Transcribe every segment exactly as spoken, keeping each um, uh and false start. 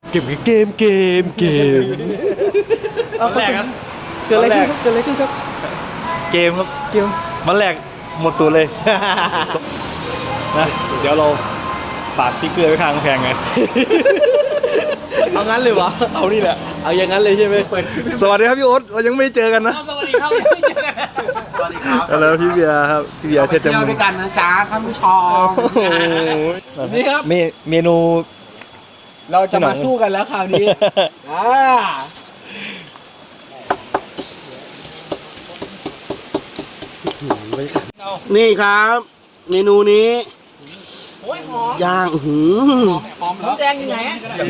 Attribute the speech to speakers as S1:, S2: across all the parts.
S1: เกมเกมเกมเกม
S2: เอาแรกครับเกิดอะไรขึ้นครับเกิดอะไรขึ้นครับ
S1: เกมครับเกมมันแรกหมดตัวเลยนะเดี๋ยวเราปาดสติ๊กเกอร์ไว้ข้างกำแพงไง
S2: เอางั้นเลยวะ
S1: เอานี่แหละ
S2: เอาอย่างนั้นเลยใช่ไหม
S1: สวัสดีครับพี่โอ๊ตเรายังไม่เจอกันนะ
S3: สวัสดีครับไม่เจอกัน
S2: สวัสดีครับ
S1: แล้วพี่เบียร์ครับพี่เบียร์เทศจมูก
S3: ด้วยกันนะจ๊ะท่านผู้ชม
S2: นี่ครับ
S1: เมนู
S2: เราจะมาสู้กันแล้วคราวนี้อ่านี่ครับเมนูนี้ย่างหืม
S3: หอมแดงยังไง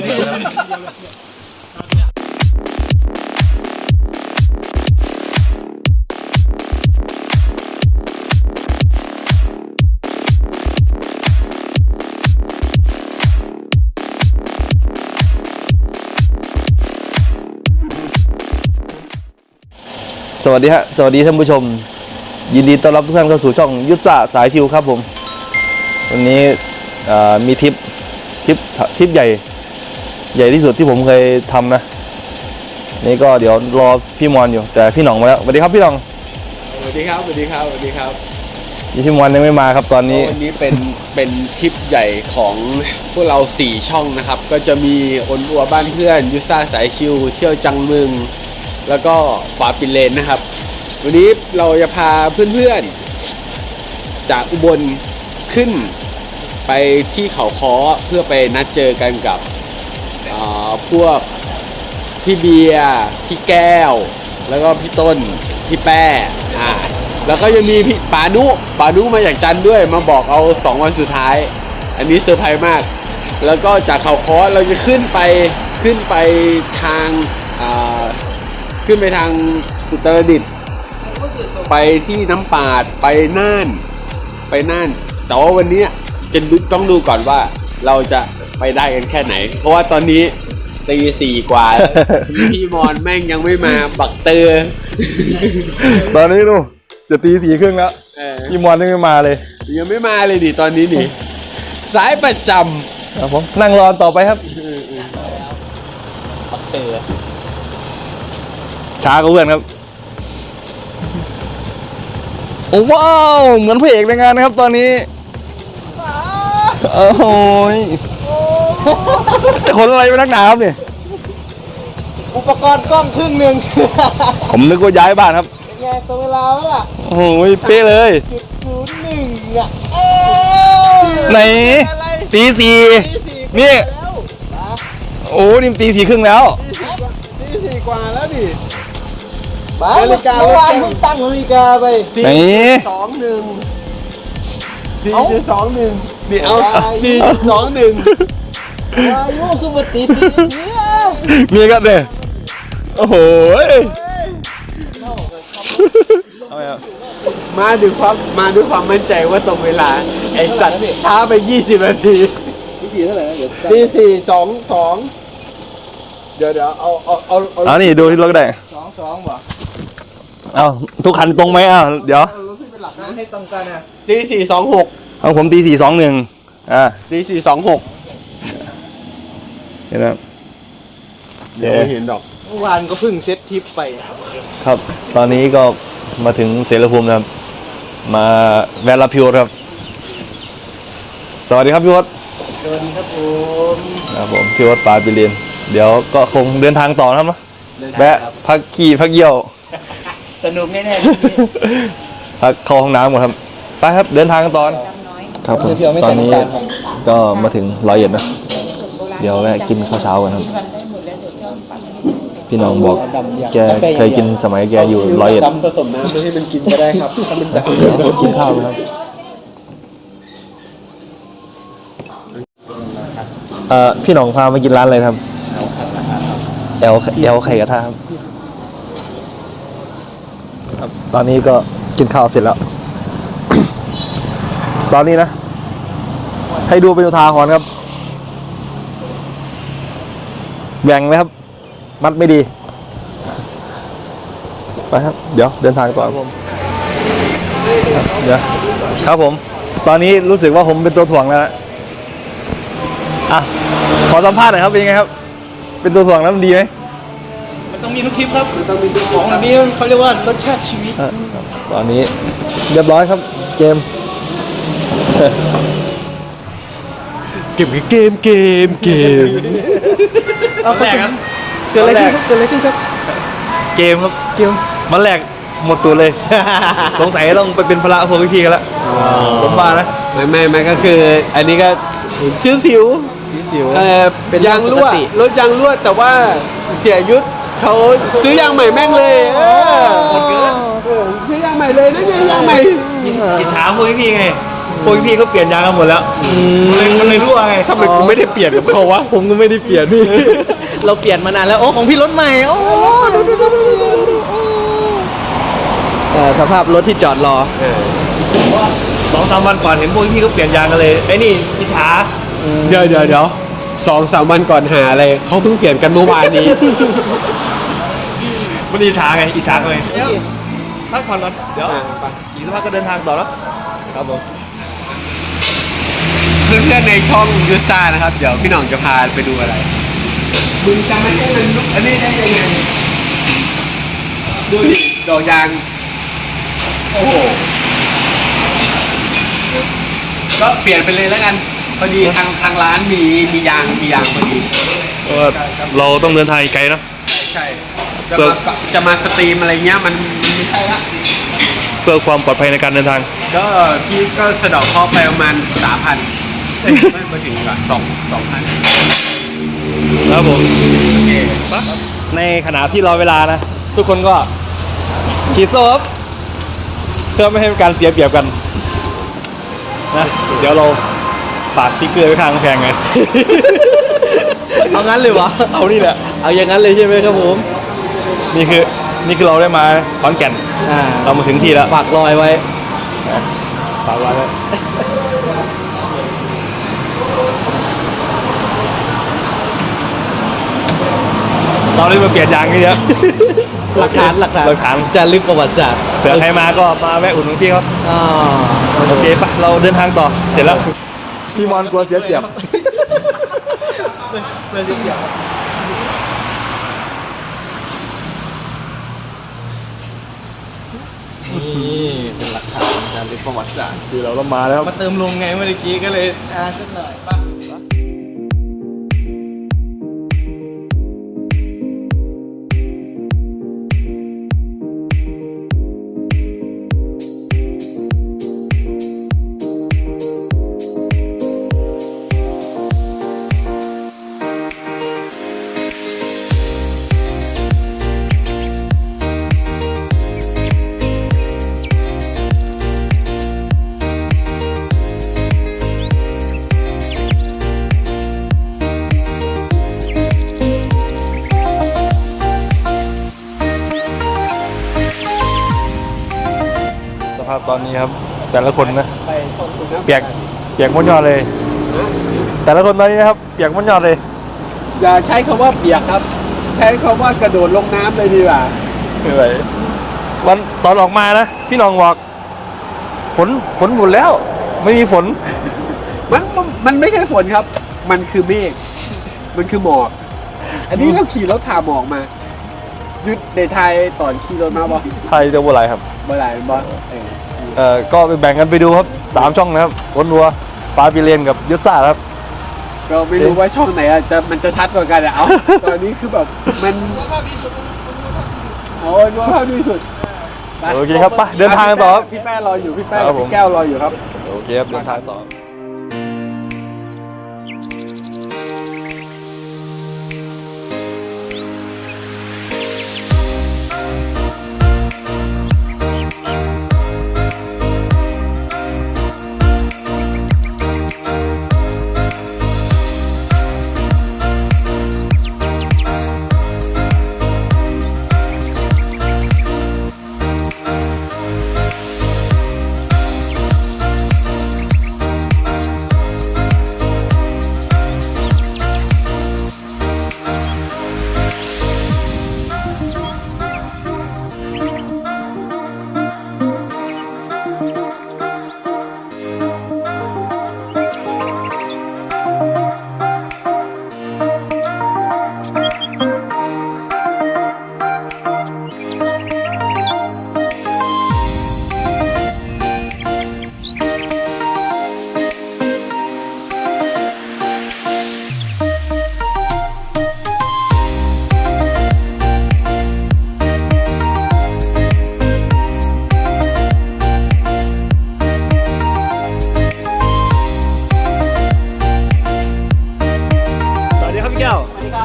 S1: สวัสดีฮะสวัสดีท่านผู้ชมยินดีต้อนรับทุกท่านเข้าสู่ช่องยุทธศาสตร์สายชิวครับผมวันนี้มีทริปทริปทริปใหญ่ใหญ่ที่สุดที่ผมเคยทำนะนี่ก็เดี๋ยวรอพี่มอนอยู่แต่พี่หน่องมาแล้วสวัสดีครับพี่หน่อง
S2: สวัสดีครับสวัสดีครับสวัสดีครับ
S1: พี่มอนยังไม่มาครับตอนนี้
S2: วันนี้เป็นเป็นทริปใหญ่ของพวกเราสี่ช่องนะครับก็จะมีอนอัวบ้านเพื่อนยุทธศาสตร์สายชิวเที่ยวจังมึงแล้วก็ฝาปิเลนนะครับวันนี้เราจะพาเพื่อนๆจากอุบลขึ้นไปที่เขาค้อเพื่อไปนัดเจอกันกับพวกพี่เบียร์พี่แก้วแล้วก็พี่ต้นพี่แป้อ่าแล้วก็ยังมีพี่ปานุปานุมาจากจันด้วยมาบอกเอาสองวันสุดท้ายอันนี้เซอร์ไพรส์มากแล้วก็จากเขาค้อเราจะขึ้นไปขึ้นไปทางอ่าขึ้นไปทางอุตรดิตถ์ไปที่น้ำปาดไปน่านไปน่านแต่ว่าวันนี้จะต้องดูก่อนว่าเราจะไปได้กันแค่ไหนเพราะว่าตอนนี้ตีสี่กว่าพี่มอนแม่งยังไม่มาบักเตอร์
S1: ตอนนี้ดูจะตีสี่ครึ่งแล้วพี่มอนยังไม่มาเลย
S2: ยังไม่มาเลยดิตอนนี้นี่สายประจ
S1: ำครับผมนั่งรอต่อไปครับ
S2: บักเตอร์
S1: ช้าก็เพื่อนครับโอ้ว้าวเหมือนพระเอกในงานนะครับตอนนี้โอ้โหจะขนอะไรไปนักหนาครับเนี่ย
S2: อุปกรณ์กล้องครึ่งหนึ่ง
S1: ผมนึกว่าย้ายบ้านครับ
S2: ไงตัวเวลาแล้วล่ะ
S1: โอ้โหเป๊ะเลย
S2: จุดศูนย์หนึ่งอ่ะ
S1: ไหนตีสี่นี่โอ้นี่ตีสี่ครึ่งแล้ว
S2: ตีสี่กว่าแล้วดินาฬิกาเมื่อวานเพิ่งตั้งนาฬิกาไป
S1: ไหน
S2: สองหนึ่งสี่จุดสองหนึ่งนี่เอาสี่จุดสองหนึ่งอายุคือมาตีตี
S1: มีกันเลยโอ้โห
S2: มาด้วยความมาด้วยความมั่นใจว่าตรงเวลาไอ้สัตว์ช้าไปยี่สิบนาทีตีเท่าไหร่ตีสี่สองสองเดี๋ยวเดี๋ยวเอาเอาเอา
S1: เอานี่ดูที่รถก็ได้
S2: สองสองบ่
S1: เอาทุกคันตรงไหมอ่ะเดี๋ยว
S2: ให้ตรงกันนะตีสี่สองหก
S1: เอาผมตีสี่สองหนึ่งอ่า
S2: ตีสี่สองหก
S1: เห็นไหม
S2: เดี๋ยวเห็นดอกเมื่อวานก็เพิ่งเซตทริปไป
S1: ครับตอนนี้ก็มาถึงเสรภูมินะครับมาแวะรับพี่โอ๊ตครับสวัสดีครับพี่โอ๊ต
S2: สวัสดีครับผม
S1: ครับผมพี่โอ๊ตปาปิเรียนเดี๋ยวก็คงเดินทางต่อนะครับเนาะแวะพักขี่พักเยี่ยว
S3: สนุกแน่
S1: ๆพักเข้าห้องน้ำก่อนครับไปครับเดินทางกันต่อครับผมตอนนี้ก็มาถึงร้อยเอ็ดนะเดี๋ยวแวะกินข้าวเช้ากันครับพี่น้องบอกแกเคยกินสมัยแกอยู่ร้อยเอ็ด
S2: ดำผสมน้ำไม่ให้มันกินก็ได้ครับถ้ามันจะ
S1: กินข้าวครับเอ่อพี่น้องพามากินร้านอะไรครับแอลแอลไข่กระทะครับตอนนี้ก็กินข้าวเสร็จแล้ว ตอนนี้นะให้ดูเป็นอุทาหรณ์ครับแบ่งไหมครับมัดไม่ดีไปครับเดี๋ยวเดินทางต่อเดี๋ยวครับผมตอนนี้รู้สึกว่าผมเป็นตัวถ่วงแล้วอ่ะขอสัมภาษณ์หน่อยครับเป็นยังไงครับเป็นตัวถ่วงแล้วมันดีไหม
S3: มันต้องมีทุกคลิปครับมันต้องมีทุกของแบบนี้เขาเรียกว่ารสชาติชีวิต
S1: อ่ะตอนนี้เรียบร้อยครับเกม
S2: เกมเกมเกมเกม
S1: เอาแรกครับเกิดอะไรขึ้นครับเกิดอะไรขึ้นครับเกมครับเกมมันแรกหมดตัวเลย สงสัยต้องไปเป็นพระพวกพี่ๆกันละผมมานะ
S2: ไม่ไม่ไม่ก็คือ อันนี้ก็สิวสิว
S1: สิว
S2: เออเป็นยางรั่วรถยางรั่วแต่ว่าเสียยุทธเขาซื้อยางใหม่แม่งเลยเออหมดเกินซื้อยางใหม่เลยนั่นไงยางใหม่
S1: อิจฉาพวกพี่ๆไงพวกพี่ๆเขาเปลี่ยนยางกันหมดแล้วมันเลยรั่วไง
S2: ทำไมกูไม่ได้เปลี่ยนกับเขาวะ
S1: ผมก็ไม่ได้เปลี่ยนพี่
S3: เราเปลี่ยนมานานแล้วโอ้ของพี่รถใหม่โอ้สภาพรถที่จอดรอ
S1: สองสามวันก่อนเห็นพวกพี่เขาเปลี่ยนยางกันเลยไอ้นี่อิจฉา
S2: เดี๋ยวเดี๋ยวเดี๋ยวสองสามวันก่อนหาอะไรเขาเพิ่งเปลี่ยนกันเมื่อวานนี้
S1: มันอิจฉาไงอิจฉาไงพักผ่อนก่อนเดี๋ยวอีกสักพักก็เดินทางต่อแล้วครับผม
S2: เพื่อนๆในช่องยูซ่านะครับ เดี๋ยวพี่หน่องจะพาไปดูอะไรมึงจะไม่ให้มันลุกอันนี้ได้ยังไงดูดิดอกยางโอ้โหก็เปลี่ยนไปเลยแล้วกันพอดีทางทางร้านมีมียางมียางพอดี
S1: เราต้องเดินทางไกลเนาะ
S2: ใช่จะมาจะมาสตรีมอะไรเงี้ยมันมันไม่ใช่ละ
S1: เพื่อความปลอดภัยในการเดินทาง
S2: ก็พี่ก็สะเดอกเคราะห์ไปประมาณสามพันไม่มาถึงก่อนสองสองพัน
S1: ครับผม
S2: โอเค
S1: ในขณะที่รอเวลานะ ทุกคนก็ฉีดโซ่ครับเพื่อไม่ให้เป็นการเสียเปรียบกันนะเดี๋ยวเราฝากสติ๊กเกอร์ไว้ข้างกำแพงไง
S3: เอางั้นเลยวะ
S1: เอานี่แหละ
S3: เอาอย่างนั้นเลยใช่ไหมครับผม
S1: นี่คือนี่คือเราได้มาขอนแก่น
S3: อ่า
S1: เรามาถึงที่แล้ว
S3: ฝากรอยไว้
S1: ฝากไว้เลยเราได้มาเปลี่ยนยางนี่เยอะ
S3: หลักฐานหลักฐาน
S1: หลักฐาน
S3: จะลึกประวัติศาสตร์
S1: เผื่อใครมาก็มาแวะอุดหนุนพี่ครับ
S3: อ่า
S1: โอเคปะเราเดินทางต่อเสร็จแล้วพี่มอนกลัวเสียเปรียบ
S3: เพื่อนเสียเปรียบ นี่เป็นหลักฐานการลึกประวัติศาสตร์
S1: คือเราต้องมาแล้ว
S3: มาเติมลมไงเมื่อกี้ก็เลยอ่าสักหน่อยป่ะ
S1: สภาพตอนนี้ครับ แต่ละคนนะ
S2: ไปขอบคุณนะ
S1: เปียกเปียกม้วนยอดเลย แต่ละคนตอนนี้นะครับเปียกม้วนยอดเลย
S2: อย่าใช้คำว่าเปียกครับ ใช้คำว่ากระโดดลงน้ำเลยดีกว่า
S1: คืออะไรวันตอนออกมานะพี่น้องบอกฝนฝนหมดแล้ว ไม่มีฝน
S2: มันมันมันไม่ใช่ฝนครับ มันคือเมฆมันคือหมอก อันนี้เราขี่รถผ่าหมอกมายุดในไทยตอนขี่รถมาบ่
S1: ไทยจะว่าไรครับ
S2: บ่ไหลบ่เออ
S1: เอ่อก็ไปแบ่งกันไปดูครับสามช่องนะครับวนวัวปลาปีเลนกับยุทธศาสตร์ครับ
S2: เราไม่รู้ว่าช่องไหนอะจะมันจะชัดกว่ากันอะเอา ตอนนี้คือแบบมันโอ้ยว่าภาพดีสุดไป
S1: โอเคครับไปเดินทางกันต่อครับ
S2: พี่แป้รออยู่พี่แป้
S1: ครับผม
S2: พี่แก้วรออยู่ครับ
S1: โอเคครับเดินทางต่อ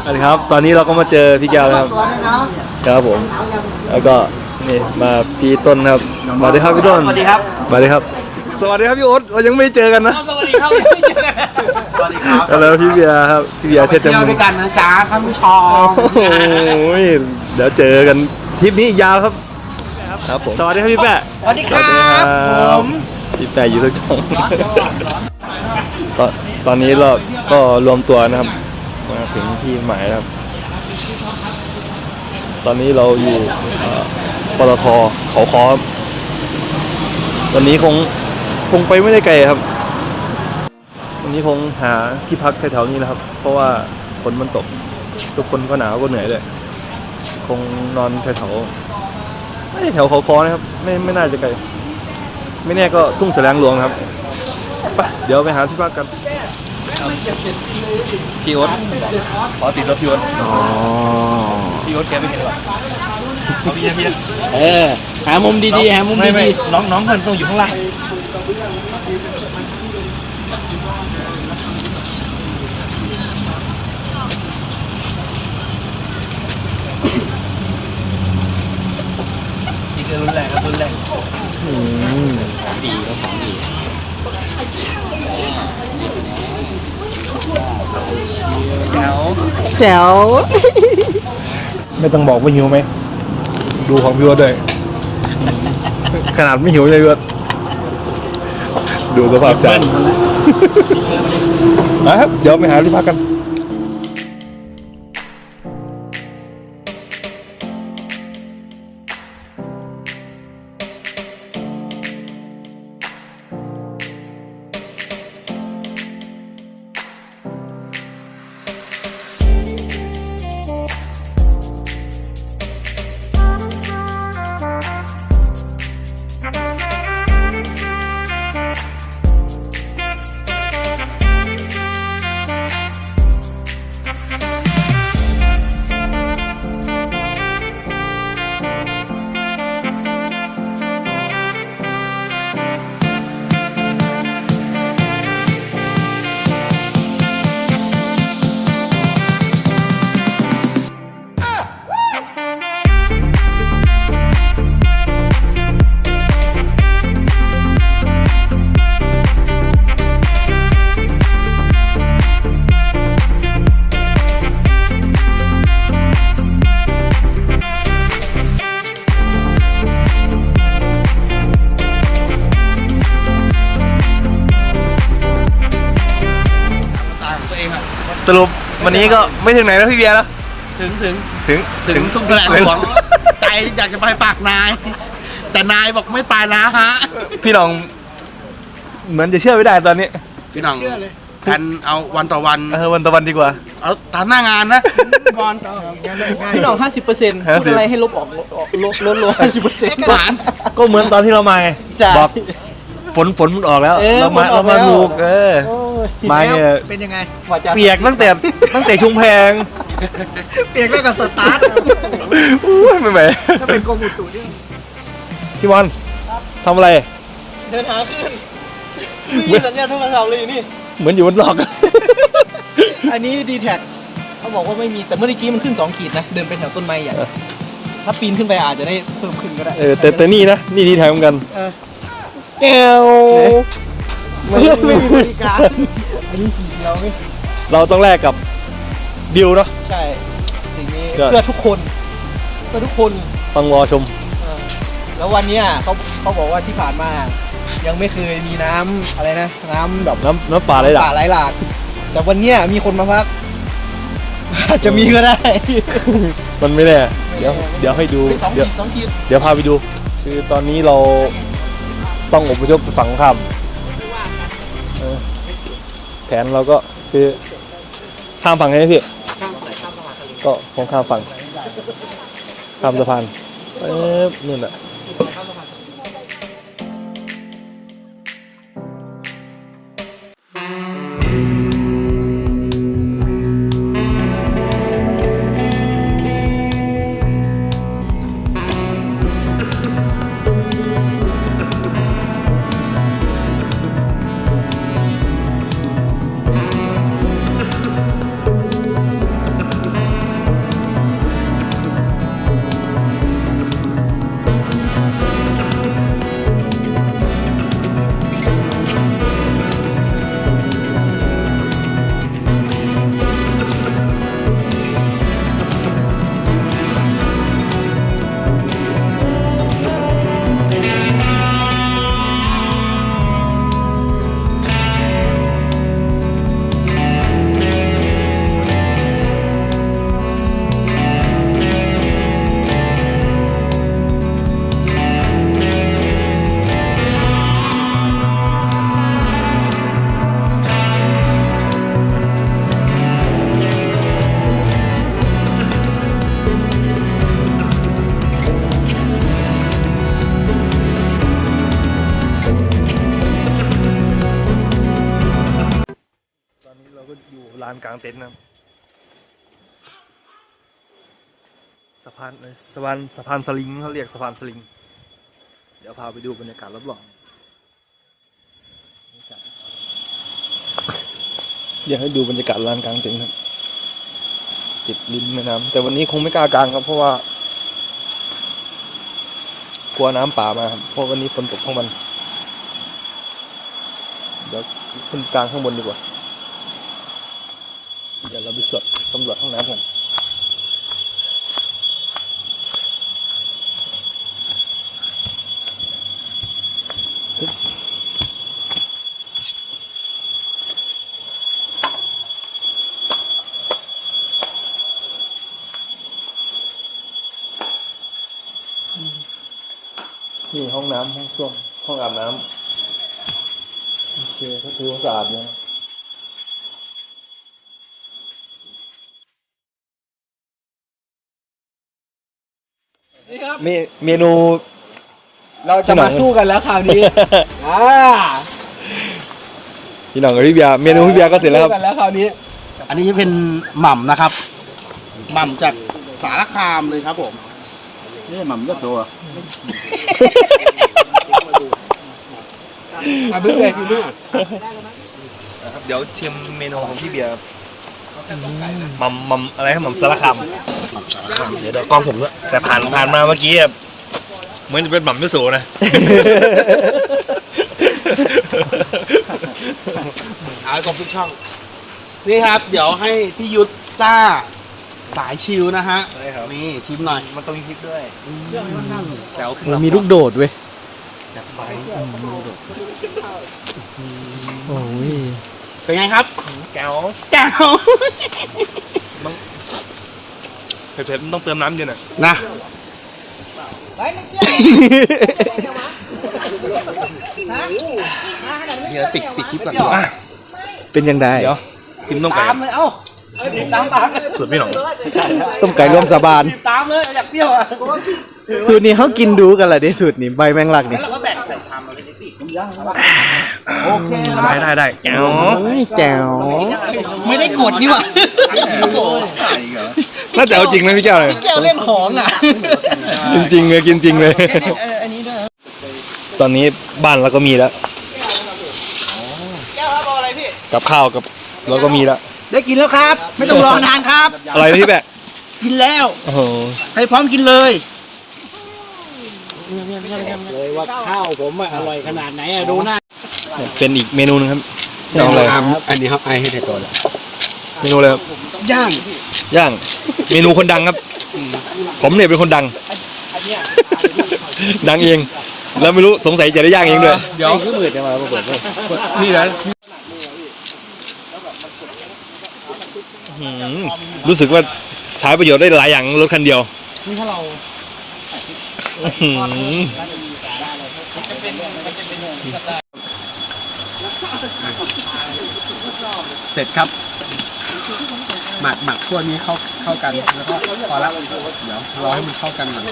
S1: สวัสดีครับตอนนี้เราก็มาเจอพี่แก้วแล้วครับครับผมแล้วก็นี่มาพี่ต้นครับสวัสดีครับพี่ต้นสวัสดีครับสวัสดีครับสวัสดีครับพี่โอ๊ตเรายังไม่เจอกันนะ
S3: สวัสดีครับไม่เจอกันสวัสดีครับ
S1: แล้วพี่เบียร์ครับพี่เบียร์เทศจำ
S3: เที่ยวด้วยกันนะจ๊ะท่านผู้ชม
S1: โอ้ยเดี๋ยวเจอกันทริปนี้ยาวครับครับผมสวัสดีครับพี่แปะ
S3: สวัสดีครับผม
S1: พี่แปะอยู่ทุกช่องตอนตอนนี้เราก็รวมตัวนะครับมาถึงที่หมายแล้วครับตอนนี้เราอยู่ปตทเขาคอครับตอนนี้คงคงไปไม่ได้ไกลครับวันนี้คงหาที่พักแถวๆนี้นะครับเพราะว่าฝนมันตกทุกคนก็หนาวก็เหนื่อยเลยคงนอนแถวๆไม่แถวเขาคอนะครับไม่ไม่น่าจะไกลไม่แน่ก็ทุ่งแสลงหลวงครับไปเดี๋ยวไปหาที่พักกันพี่โอ๊ตขอติดรถพี่โอ๊ตอ๋อพี่โอ๊ตแกไม่เห็นหรอเอาพี่พี่
S3: เออหามุมดีๆหามุมดี
S1: ๆน้องน้องมันต้องอยู่ข้างล่างนี่คือรุ่นแรกครับรุ่นแรกอืมของดีก็ของดีแจ๋ว
S3: แจ๋ว
S1: ไม่ต้องบอกว่าหิวไหมดูของพี่วัดด้วยขนาดไม่หิวเลยพี่วัดดูสภาพใจนะครับเดี๋ยวไปหาที่พักกันสรุปวันนี้ก็ไม่ถึงไหนแล้วพี่เบียร์แล้ว
S3: ถึงถึง
S1: ถึง
S3: ถึงทุ่งแสลงหลวงใจอยากจะไปปากนายแต่นายบอกไม่ไปนะฮะ
S1: พี่น้องเหมือนจะเชื่อไม่ได้ตอนนี้
S3: พี่น้องแทนเอาวันต่อวัน
S1: เออวันต่อวันดีกว่า
S3: เอาตามหน้างานนะวันต่อพี่น้องห้าสิบเปอร์เซ็นต์พูดอะไรให้ลบออกลบลดลงห้าสิบเปอร์เซ็นต์
S1: ก็เหมือนตอนที่เรามาบอกฝนฝนมันออกแล้วเรามาเรามาลูกเออมาเนี่ย
S3: เป็นยังไง
S1: เปียกตั้งแต่ตั้งแต่ชุมแพง
S3: เปียกแล้วกับสตาร์ท
S1: ไม่ไหว
S3: ถ้าเป็นกองอุตุนี่
S1: พี่บอลทำอะไร
S3: เดินหาขึ้นมีสัญญาณโทรศัพท์เลยนี่
S1: เหมือนอยู่บนหลอก
S3: อันนี้ดีแท็กเขาบอกว่าไม่มีแต่เมื่อกี้มันขึ้นสองขีดนะเดินไปแถวต้นไม้ใหญ่ถ้าปีนขึ้นไปอาจจะได้เพิ่มขึ้นก็ได้
S1: เออแต่แต่นี่นะนี่ดีแท็กเหมือนกันแก้ว
S3: ไม่ไม่มีบริการอันนี้สีเราไม่
S1: เราต้องแลกกับดิวเนาะ
S3: ใช่สิ่งนี้เพื่อทุกคนเพื่อทุกคน
S1: ฟังวอชม
S3: แล้ววันนี้เขาเขาบอกว่าที่ผ่านมายังไม่เคยมีน้ำอะไรนะน้ำแบบ
S1: น้ำน้ำป่าไหลหลาก
S3: ป่าไหลหลากแต่วันนี้มีคนมาพักอาจจะมีก็ได้
S1: มันไม่แน่เดี๋ยวเดี๋ยวให้ดูเดี๋ยวเดี๋ยวพาไปดูคือตอนนี้เราต้องอพยพไปฝั่งข้ามแผนเราก็คือข้ามฝั่งไงพี่ก็คงข้ามฝั่งข้ามสะพานเอ๊ะนี่แหละางเต็นท์นะครับสะพานเอ้ยสะพานสะพานสลิงเขาเรียกสะพานสลิงเดี๋ยวพาไปดูบรรยากาศรอบๆอยากให้ดูบรรยากาศลานกลางเต็นท์ครับติดริมแม่น้ำแต่วันนี้คงไม่กล้ากางครับเพราะว่ากลัวน้ำป่ามาครับเพราะวันนี้ฝนตกทั้งวันเดี๋ยวขึ้นกลางข้างบนดีกว่าเดี๋ยวเราไปสดสำรวจห้องน้ำกันนี่ห้องน้ำห้องส้วมห้องอาบน้ำโอเคก็ถือว่าสะอาดนะ
S3: นี่ครับ
S1: เมเมนู
S3: เราจะมาสู้กันแล้วคราวนี้ อ่า
S1: พี่หน้องกับพี่เบียร์เมนูพี่เบียร์ก็เสร็จแล้วครับ
S3: สู้กันแล้วคราวนี้
S4: อันนี้เป็นหม่ำนะครับ หม่ำจากสารคามเลยครับผมนี่หม่ำก็โซ่
S3: มาบึ้งเลยพี่ลูก
S1: เดี๋ยวชิมเมนูของพี่เบียร์มัมมัมอะไรครับมัมสารคามเดี๋ยวเดี๋ยวกล้องผมด้วยแต่ผ่านผ่านมาเมื่อกี้อะเหมือนจะเป็นหม่ำมิโซะนะ
S4: เอาครบทุกช่อง นี่ครับ เดี๋ยวให้พี่ยุทธซ่าสายชิลนะฮะ
S1: ได้ครับ
S4: นี่ชิมหน่อย
S1: มันต้องมีพริกด้วยแจ๋ว
S3: มันมีลูกโดดเว้ย โอ้ย
S4: เป็นไงครับ
S1: แก้ว
S4: แก้ว
S1: เผ็ดๆมันต้องเติมน้ำเยอะหน่อย
S4: นะ เดี๋ยวปิดปิดคลิปก่อนดีกว่า
S3: เป็นยังไง
S1: เดี๋ยวกินต้มไก่สูตรพี่หน่อง
S3: ต้มไก่รวมสาบาน
S4: ตามเลยอยากเปรี้ยวอ่ะ
S3: สูตรนี้เขากินดูกันเหรอดิสูตรนี้ใบแมงลักนี่
S4: แล้วก็แบ่งใส่ชามเราเลยดิโอเค
S1: ได้ได้ได้แก้ว
S3: โอ้ยแจ๋ว
S4: ไม่ได้กดนี่หว่า
S1: น่าจะเอาจริงนะพี่แก้วเลย
S4: แก้วเล่นของอ่ะ
S1: กินจริงเลยกินจริงเลย ตอนนี้บ้านเราก็มีแล้ว
S4: แก้วครับเอาอะไรพี่
S1: กับข้าวกับเราก็มีแล้ว
S4: ได้กินแล้วครับ ไม่ต้องรอนานครับ
S1: อะไรนะพี่แบะ
S4: กินแล้ว
S1: โอ้โห
S4: ให้พร้อมกินเลย
S5: เลยว่าข้าวผมอะอร่อยขนาดไหนอะดูหน้า
S1: เป็นอีกเมนูหนึงครับน้องอะไร
S2: อันนี้ครับไอให้แต่ก่อน
S1: เมนูอะไรครับ
S4: ย่าง
S1: ย่างเมนูคนดังครับ ผมเนี่ยเป็นคนดัง ดังเอง แล้วไม่รู้สงสัยจะได้ย่างเองด้วย
S4: เดี๋ยว
S5: คือมืดจะมาเปิด
S4: นี่นะ
S1: อืมรู้สึกว่าใช้ประโยชน์ได้หลายอย่างรถคันเดียว
S4: นี่ถ้าเรา
S1: อื้อหือ
S2: เสร็จครับ หมักหมักพวกนี้เข้าเข้ากันแล้วก็พอละเดี๋ยวรอให้มันเข้ากันก่อน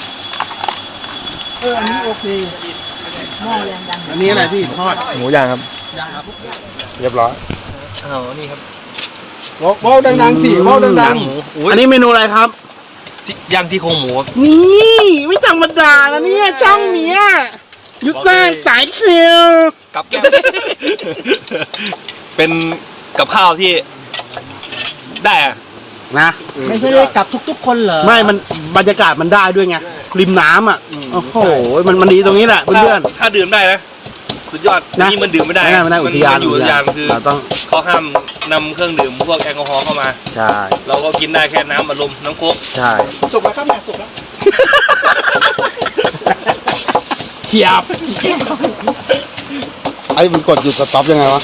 S4: เอออันนี้โอเคอันนี้อะไรพี่ทอด
S1: หมูย่างครับเรียบร้อยอ้าวนี่ครับ
S3: เบ้าดังๆสิเบ้าดัง
S1: ย่างหมูอุ๊ย
S4: อันนี้เมนูอะไรครับ
S1: ซิย่างซี่โครงหมูครับ
S4: นี่ไม่ธรรมดานะเนี่ยช่องเนี้ยยุทธสร้างสายเคียว
S1: กับแก้ว เป็นกับข้าวที่ได้อะ
S4: นะ
S5: ไม่ใช่ได้กลับทุกๆคนเหรอ
S4: ไม่มันบรรยากาศมันได้ด้วยไงริมน้ำอ่ะโอ้โหมันมันดีตรงนี้แหละเพื่อน
S1: ถ้าดื่มได้นะสุดยอด
S4: นะ
S1: นี่มันดื่มไม่ได้
S4: ไม่ได้ไม่ได้อุทยาน
S1: มัอยู่อุทยานคือ
S4: เราต้อง
S1: เขาห้ามนำเครื่องดื่มพวกแอลกอฮอล์เข้ามา
S4: ใช่
S1: เราก็กินได้แค่น้ำอัดลมน้ำโค้ก
S4: ใช่
S3: ๆสุกแล้วครับแม่สุกแล้ว
S4: เฉียบไอ้มันกดอยู่กับต็อปยังไงวะ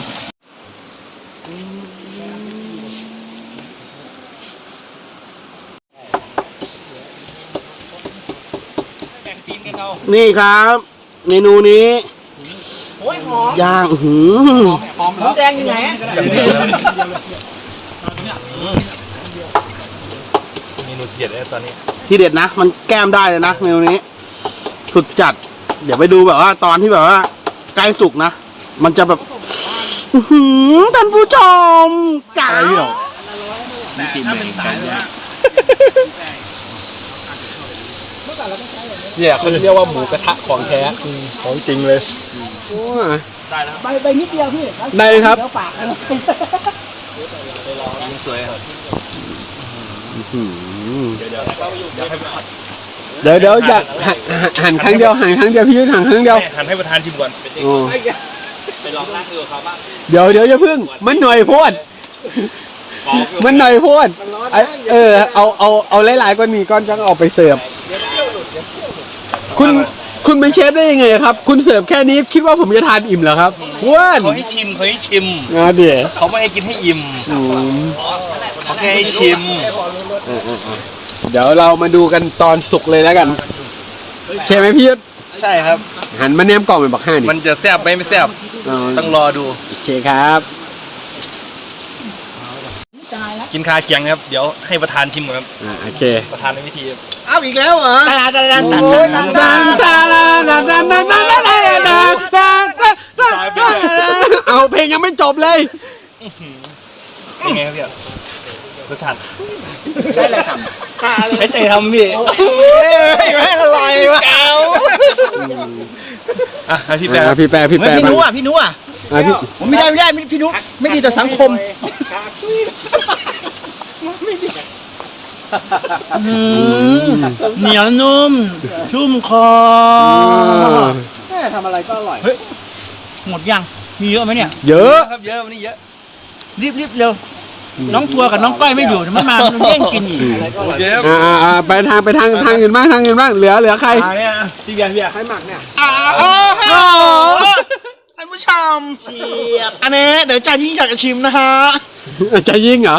S4: นี่ครับ เมนูนี้ย่างอื้อหือ
S3: หอมแล้วแดงอยู่ไหน
S1: เมนูเด็ดเลยตอนนี้
S4: ที่เด็ดนะ มันแก้มได้เลยนะเมนูนี้ สุดจัด เดี๋ยวไปดูแบบว่าตอนที่แบบว่าใกล้สุกนะ มันจะแบบอื้อหือท่านผู้ชมจ๋า
S2: แต่ถ้าเป็นสายเลยฮะเนี่ยเขาเรียกว่าหมูกระทะของแท้
S1: ของจริงเลย
S4: โอ้ย
S3: ใบใบนิดเดียวพี่
S4: ได้เลยครับ
S3: เดี๋ยวฝากนะ
S1: สวยครับ
S4: เดี๋ยวเดี๋ยวอยากหันหันครั้งเดียวหันครั้งเดียวพี่ยุทธหันครั้งเดียว
S1: หันให้ประธานชิมก่อน
S4: โอ้
S5: ไปลองนั่งดูเขาบ้าง
S4: เดี๋ยวเดี๋ยวอย่าพึ่งมันหน่อยโพดมันหน่อยโพดไอ้เออเอาเอาเอาหลายๆก้อนนี้ก้อนจะเอาไปเสิร์ฟคุณคุณเป็นเชฟได้ยังไงครับ คุณเสิร์ฟแค่นี้คิดว่าผมจะทานอิ่มเหรอครับว้าน
S1: เขาให้ชิมเขาให้ชิม
S4: อ่าเดี๋ยว
S1: เขาไม่ให้กินให้อิ่มเขาแค่ให้ชิม
S4: เดี๋ยวเรามาดูกันตอนสุกเลยแล้วกันใช่ไหมพี่ยุทธ
S1: ใช่ครับ
S4: หันมาแนมกล่องเป็นบักห้านี่
S1: มันจะแซ่บไหมไม่แซ่บ
S4: อ๋อ
S1: ต้องรอดู
S4: โอเคครับ
S1: กินคาเคียงครับ เดี๋ยวให้ประธานชิมก่อนครับ
S4: อ่าโอเค
S1: ประธานในวิธี
S3: เอาอีกแล้วเหรอ
S5: ตาตาตาตา
S3: โอ้ยตันตัน
S4: เอาเพลงยังไม่จบเลย
S1: เป็นไงครับพี่รสชาติ
S3: ใช่เลยครับ
S1: ให้ใจทำพี่
S3: ไม่อร่อยวะ
S1: อ่ะให้พี่แปะ
S4: อ่าพี่แปรพี่แปร
S3: พี่
S4: บ้าง
S3: นุอ่ะพี่นุอ่ะ
S4: อ่าพี่
S3: ผมไม่ได้ไม่ได้พี่นุไม่ดีต่อสังคมเหนียวนุ่ม ชุ่มคอแม่ทำอะไรก็อร่อยหมดยังมีเยอะไหมเนี่ย
S4: เยอะ
S1: ครับเยอะวันนี้เยอะ
S3: รีบรีบเร็วน้องทัวร์กับน้องก้อยไม่อยู่มันมามันแย่งกินอีก
S1: เยอะ
S4: อ่าอ่าอ่าไปทางไปทางทางอื่นบ้างทางอื่นบ้างเหลือเหลือใคร
S1: อ่าเนี่ยพี่เบียร์พี่เบียร์
S3: ท่านผู้ชมเชียบอันนี้เดี๋ยวจานยิ่งอยากจะชิมนะฮะ
S4: จะยิงเหรอ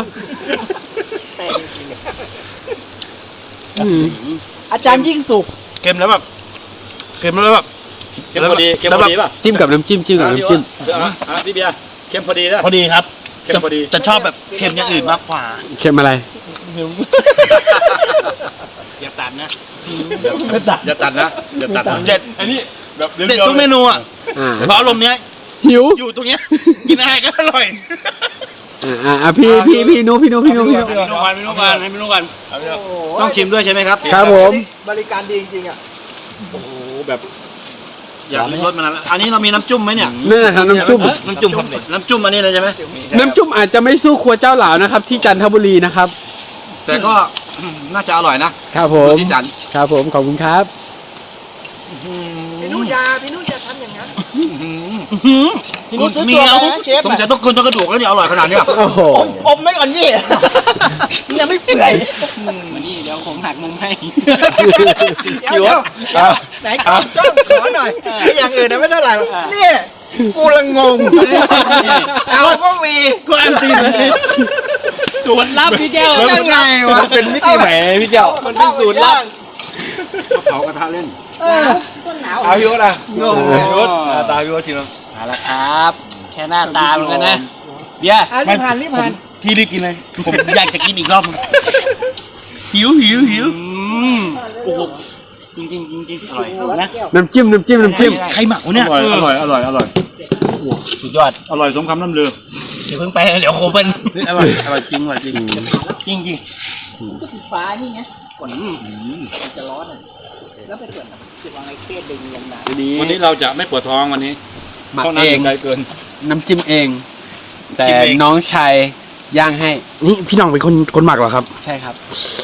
S3: อาจารย์ยิ่งสุก
S1: เค็มแล้วแบบเค็มแล้วแบบเค็มพอดีเค็มพอดีป่ะ
S4: จิ้มกับน้ำจิ้มจิ้มกับน้ำจิ้ม
S1: อ่ะพี่เบียร์เค็มพอดีนะ
S3: พอดีครับ
S1: เค็มพอดี
S3: จะชอบแบบเค็มอย่างอื่นมากกว่า
S4: เค็มอะไร
S5: อย่าตัดนะ
S1: อย่าตัดนะอย่าตัดนะ
S3: เด็ด
S1: อันนี้แบบ
S3: เด็ดทุกเมนูอ่ะ
S4: อ่า
S3: เพราะอารมณ์เนี้ย
S4: หิว
S3: อยู่ตรงเนี้ยกินอะไรก็อร่อย
S4: อ่าอ่าอ่าพี่พี่พี่นุพี่นุพี่นุพี่นุ
S5: ไม่รู้กันไม่รู้กันไม่รู้กันต้องชิมด้วยใช่ไหมครับ
S4: ครับผม
S3: บริการดีจริงๆอ่ะ
S5: อยากรสมันอันนี้เรามีน้ำจุ่มไหมเนี่ย
S4: นั่นนะครับน้ำจุ่ม
S5: น้ำจุ่มครับน้ำจุ่มอันนี้เลยใช่ไหม
S4: น้ำจุ่มอาจจะไม่สู้ครัวเจ้าหลาวนะครับ ที่จันทบุรีนะครับ
S5: แต่ก็น่าจะอร่อยนะครับ
S4: ผม
S5: สีสัน
S4: ครับผมขอบคุณครับ
S3: พี่นุยาพี่นุยาทำอย่างนั้นพี่นุซื้อตัวไปนะเชฟ
S5: สงสัยต้องกินทั้งกระดูกแล้วเนี่ยอร่อยขนาดเนี้ย
S4: โอ้โห
S3: อมอมไม่ก่อนนี่ยังไม่เปื่อย
S5: นี่เดี๋ยวผมหักมุมให้
S3: เดี๋ยวเดี๋ยวไหนจ้องจ้องขอหน่อยไอ้อย่างอื่นนะไม่เท่าไหร่หรอกนี่กูละงงเอาก็มีกูอันตีเลย
S5: สูตรลับพี่แก้ว
S3: ยังไงวะ
S1: เป็นมิติใหม่พี่เจ้า
S3: มันเป็นสูตรลับ
S5: เผากระทะเล่น
S3: ต้นหนาว
S1: เอาพี่วนะ
S3: งง
S1: พี่วตาพี่วชิมแล้ว
S5: มาแล้วครับ แค่หน้าตาเหมือนกันนะเบียร์
S3: อ่ะรีบผ่านรีบผ่าน
S1: พี่รีบกินเลย
S3: ผมอยากจะกินอีกรอบหิวหิวหิว
S5: โอ้โหจริงจริงจริงจริงอร่อยนะ
S4: น้ำจิ้มน้ำจิ้มน้ำจิ้ม
S3: ใครหมักวะเนี่ย
S5: อร่อยอร่อยอร่อย
S1: สุดยอด
S5: อร่อยสมคำล่ำลือ
S3: เดี๋ยวเพิ่งไปนะเดี๋ยวโคเป็น
S5: อร่อยอร่อยจริงอร่อยจริงจริงจริง
S3: ฟ้านี่ไงก่อนจะร้อนอ่ะแล้วไปเปิดจะวางไอ้เคสดึงยังไง
S5: วันนี้เราจะไม่ปวดท้องวันนี้
S4: หมัก
S5: ท้อง
S4: เอง
S5: น้ำไกลเกิน
S4: น้ำจิ้มเอง แต่
S1: จิ้มเอง
S4: น้องชายย่างให้
S2: นี่พี่น้องเป็นคนคนหมักเหรอครับ
S4: ใช่ครับ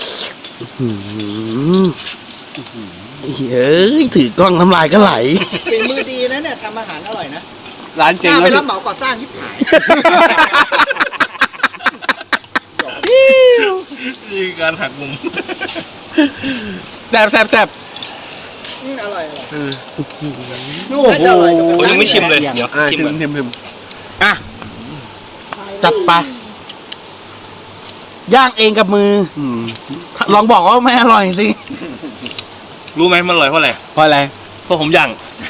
S2: เฮ้ยถือกล้องน้ำลายก็ไหล
S3: ฝีมือดีนะเนี่ยทำอาหารอร่อยนะ
S4: ร้านเจ๊ง
S3: น่าไป
S4: แล้ว
S3: รับเหมาก่อสร้างยิบหาย
S1: นี่การหักมุม
S4: แซบแซบแซบ
S3: อืมอร่อยอร่อย
S4: โอ้
S3: น่าจะอร่อยกว่า
S1: ผมยังไม่ชิมเลยเดี๋ยว
S4: อ่า
S1: ชิ
S4: ชิ
S1: ม
S4: ม
S1: ก่อน
S4: ชิมชิม
S2: จัดไป ย่างเองกับมืออลองบอกว่าไม่อร่อยสิ
S1: รู้ไหมมันอร่อยเพราะอะไร
S4: เพราะอะไร
S1: เพราะผมย่าง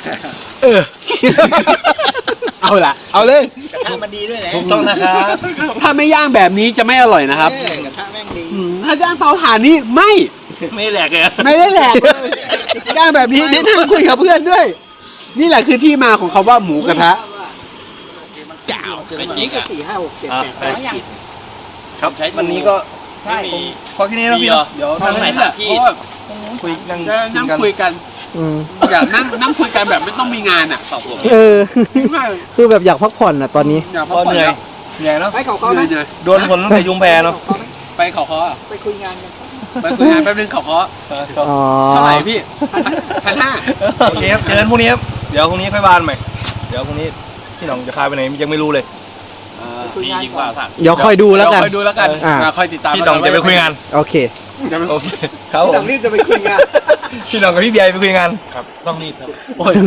S4: เอาละเอาเลย
S3: กระทะมันดีด้วยนะ
S1: ถูกต้องนะครับ
S4: ถ้าไม่ย่างแบบนี้จะไม่อร่อยนะครับ
S3: เออกระทะแม่งดี
S4: อืมถ้าย่างเตาถ่านนี่ไม่
S1: ไม่แหลกเลย
S4: ไม่ได้แหลกเลยย่างแบบนี้แนะนำคุยกับเพื่อนด้วย นี่แหละคือที่มาของคำว่าหมูกระทะ
S5: ไปจริงอ่ะ
S3: สี่ห้าหกเจ็ด
S5: อ่ะ
S3: แปด
S5: ไป
S3: ร้อยอย่าง
S1: ครับ
S5: ใช้
S1: วันนี้ก็
S3: ใช่
S5: ไม่มี
S1: พอแค่นี้นะพี่เนาะเดี๋ยว
S2: ตอน
S1: นั่ง
S2: ไหนแหละเพราะว่า
S1: คุยนั่ง
S2: จะนั่งคุยกัน
S3: อืม
S2: อยากนั่งนั่งคุยกันแบบไม่ต้องมีงานอ่ะ
S5: สองผม
S3: เออ
S2: ไม่
S3: คือแบบอยากพักผ่อนอ่ะตอนนี้
S2: อยากพั
S1: ก็
S2: กผ่อน
S1: เหนื่อย
S2: แล้ว
S1: เหนื่อยเนาะ
S3: ไปเขา
S2: เห
S3: เขาไหม
S2: นื่อย
S1: โดนฝนตั้งแต่ยุงแพเนาะ
S2: ไปเขาเคาะอะ
S3: ไปคุยงานกัน
S2: ไปคุยงานแป๊บนึงเขาเคาะ
S3: อ๋อ
S2: เท่าไหร่พี่พันห้า
S1: โอเคครับเจอกันพรุ่งนี้ครับเดี๋ยวพรุ่งนี้ค่อยบานใหม่เดี๋ยวพรุ่งนี้พี่หน้องจะพาไปไหนยังไม่รู้เลย
S5: ดียิ่งกว่าสั่ง
S3: เดี๋ยวคอยดูแล้วกัน
S2: คอยดูแล้วกัน
S3: อ่า
S2: อ่าคอยติดตาม
S1: พี่หน้องจะไปคุยงาน
S3: โอเค
S1: โอเคครับผม
S3: รีบจะไปคุยงาน
S1: พี่หน้องกับพี่เบียร์ไปคุยงาน
S5: ต้องรีบครับ
S2: โอ้ย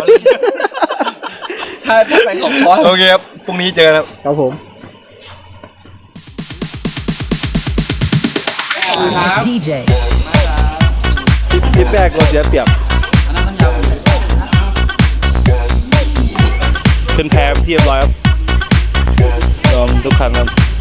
S2: ถ้าถ้าไปเขาเคาะ
S1: โอเคครับพรุ่งนี้เจอกันครับ
S3: ครับผม
S6: ดีเจ
S1: ทริปแรกเราเสียเปรียบขึ้นแพไปที่เรียบร้อยครับยอมทุกครั้งครับ